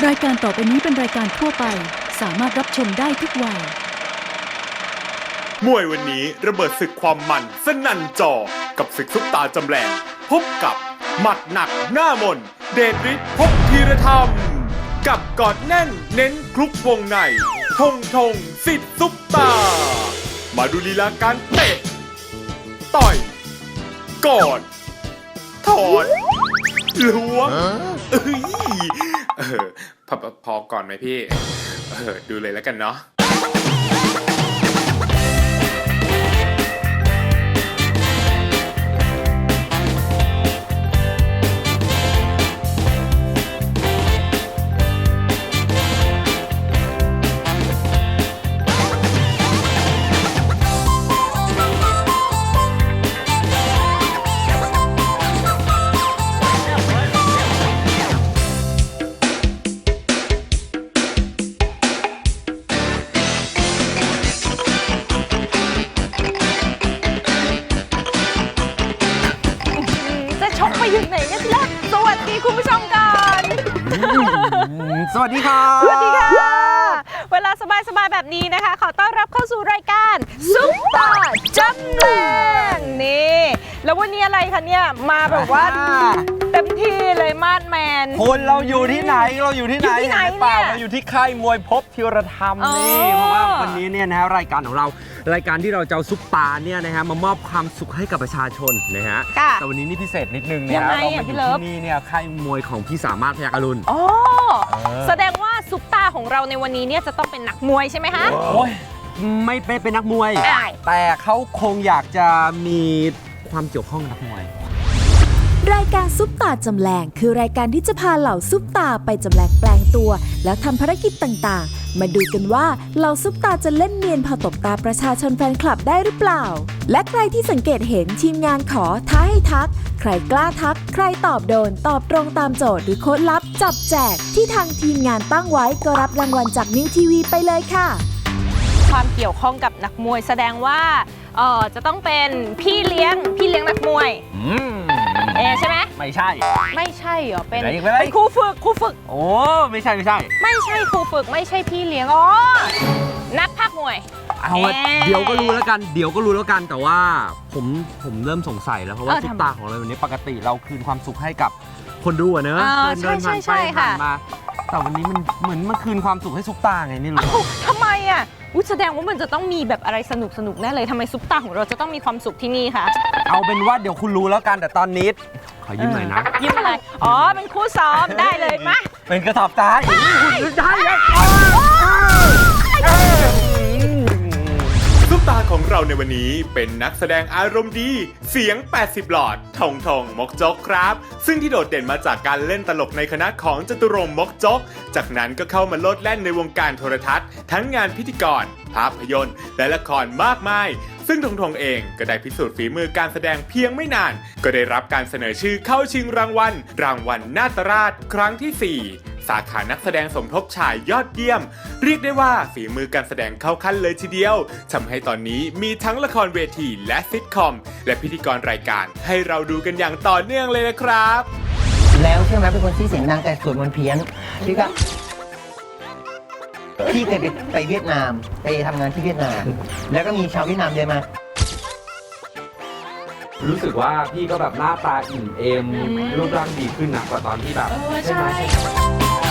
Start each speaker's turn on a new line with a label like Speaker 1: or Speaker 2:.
Speaker 1: รายการต่อไปนี้เป็นรายการทั่วไปสามารถรับชมได้ทุกวัย
Speaker 2: มวยวันนี้ระเบิดศึกความมันสนั่นจอกับศึกซุปตาจำแรงพบกับหมัดหนักหน้ามนเดชฤทธิ์ภพธีรธรรมกับกอดแน่นเน้นคลุกวงในธงสิทธิ์ซุปตามาดูลีลาการเตะต่อยกอดถอนล้วงพอก่อนไหมพี่ดูเลยแล้วกันเนาะ
Speaker 3: อยู่ไหนเนี่ยพี่รักสวัสดีคุณผู้ชมก่อน
Speaker 4: สวัสดีครับ
Speaker 3: สวัสดีค่ะเวลาสบายๆแบบนี้นะคะขอต้อนรับเข้าสู่รายการซุปตาจำแรงนี่แล้ววันนี้อะไรคะเนี่ยมาแบบว่าเต็มที่เลยมาดแมน
Speaker 4: คนเราอยู่ที่ไหนเราอยู่ที่ไหนเปล่าเราอยู่ที่ค่ายมวยภพธีรธรรมนี่เพราะว่าวันนี้เนี่ยนะฮะรายการของเรารายการที่เราจะเอาซุปตาเนี่ยนะฮะมามอบความสุขให้กับประชาชนนะฮะแต่วันนี้นี่พิเศษนิดนึงนะเรามาอยู่ที่นี่เนี่ยค่ายมวยของพี่สามารถพยัคฆ์อรุณ
Speaker 3: อ๋อแสดงว่าซุปตาของเราในวันนี้เนี่ยจะต้องเป็นนักมวยใช่ไหมคะ
Speaker 4: โอ้ยไม่เป็นนักมวยแต่เขาคงอยากจะมีความเกี่ยวข้องกับนักมวย
Speaker 5: รายการซุปตาจำแรงคือรายการที่จะพาเหล่าซุปตาไปจำแรงแปลงตัวแล้วทำภารกิจต่างๆมาดูกันว่าเหล่าซุปตาจะเล่นเนียนพอตบตาประชาชนแฟนคลับได้หรือเปล่าและใครที่สังเกตเห็นทีมงานขอท้าให้ทักใครกล้าทักใครตอบโดนตอบตรงตามโจทย์หรือโค้ดลับจับแจกที่ทางทีมงานตั้งไว้ก็รับรางวัลจากนิวทีวีไปเลยค่ะ
Speaker 3: ความเกี่ยวข้องกับนักมวยแสดงว่าจะต้องเป็นพี่เลี้ยงนักมวยใช่ไหม
Speaker 4: ไม่ใช่
Speaker 3: เหรอเป็นครูฝึก
Speaker 4: โอ้ไม่ใช่
Speaker 3: ไม่ใช่ครูฝึกไม่ใช่พี่เลี้ยงนักพากย์มวย
Speaker 4: เอาเดี๋ยวก็รู้แล้วกันแต่ว่าผมเริ่มสงสัยแล้วเพราะว่าซุปตาของเราวันนี้ปกติเราคืนความสุขให้กับคนดูอะเนอะเดินผ่านไปผ่านมาแต่วันนี้มันเหมือนมาคืนความสุขให้ซุปตาไงนี่รู้
Speaker 3: ทำไมอ่ะแสดงว่ามันจะต้องมีแบบอะไรสนุกแน่เลยทำไมซุปตาของเราจะต้องมีความสุขที่นี่คะ
Speaker 4: เอาเป็นว่าเดี๋ยวคุณรู้แล้วกันแต่ตอนนี้ขอยิ้มหน่อยนะ
Speaker 3: ยิ้มอะไรเป็นคู่ซ้อมได้เลยมะ
Speaker 4: เป็นกระสอบทรายได้
Speaker 2: ซุปตาของเราในวันนี้เป็นนักแสดงอารมณ์ดีเสียง80หลอดทองมกจกครับซึ่งที่โดดเด่นมาจากการเล่นตลกในคณะของจตุรงค์มกจกจากนั้นก็เข้ามาโลดแล่นในวงการโทรทัศน์ทั้งงานพิธีกรภาพยนตร์และละครมากมายซึ่งทงเองก็ได้พิสูจน์ฝีมือการแสดงเพียงไม่นานก็ได้รับการเสนอชื่อเข้าชิงรางวัลนาตราชครั้งที่4สาขานักแสดงสมทบชายยอดเยี่ยมเรียกได้ว่าฝีมือการแสดงเข้าขั้นเลยทีเดียวทำให้ตอนนี้มีทั้งละครเวทีและซิทคอมและพิธีกรรายการให้เราดูกันอย่างต่อเนื่องเลยนะครับ
Speaker 6: แล้วใช่ไหมเป็นคนที่เสียงดังแต่สวดมนต์เพี้ยนพี่ก็พี่เคยไปเวียดนามไปทำงานที่เวียดนามแล้วก็มีชาวเวียดนามเดินมา
Speaker 4: รู้สึกว่าพี่ก็แบบหน้าตาอิ่มเอมรูปร่างดีขึ้นนะกว่าตอนที่แบบ
Speaker 3: ใช่